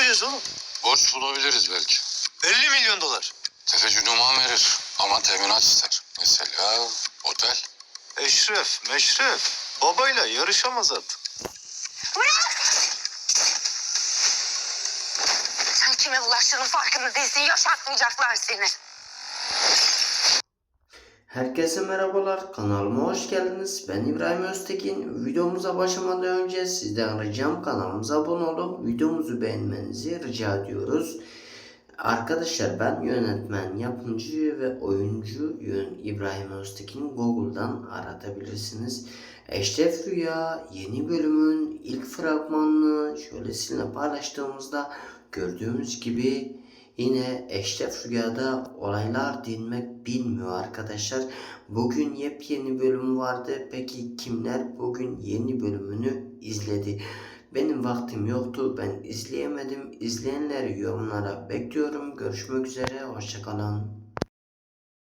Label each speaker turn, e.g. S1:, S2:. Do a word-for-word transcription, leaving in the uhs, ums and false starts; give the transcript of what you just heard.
S1: yapacağız oğlum?
S2: Borç bulabiliriz belki.
S1: elli milyon dolar.
S2: Tefeci Numan verir ama teminat ister. Mesela otel.
S1: Eşref, meşref. Babayla yarışamaz artık.
S3: Sen kime bulaştığının farkında değilsin. Yaşatmayacaklar seni.
S4: Herkese merhabalar, kanalıma hoş geldiniz. Ben İbrahim Öztekin. Videomuza başlamadan önce sizden ricam kanalımıza abone olup videomuzu beğenmenizi rica ediyoruz. Arkadaşlar, ben yönetmen, yapımcı ve oyuncu Yön İbrahim Öztekin. Google'dan aratabilirsiniz. Eşref Rüya yeni bölümün ilk fragmanını şöyle sizinle paylaştığımızda gördüğümüz gibi yine Eşref Rüya'da olaylar dinmek bilmiyor arkadaşlar. Bugün yepyeni bölüm vardı. Peki kimler bugün yeni bölümünü izledi? Benim vaktim yoktu. Ben izleyemedim. İzleyenleri yorumlara bekliyorum. Görüşmek üzere. Hoşçakalın.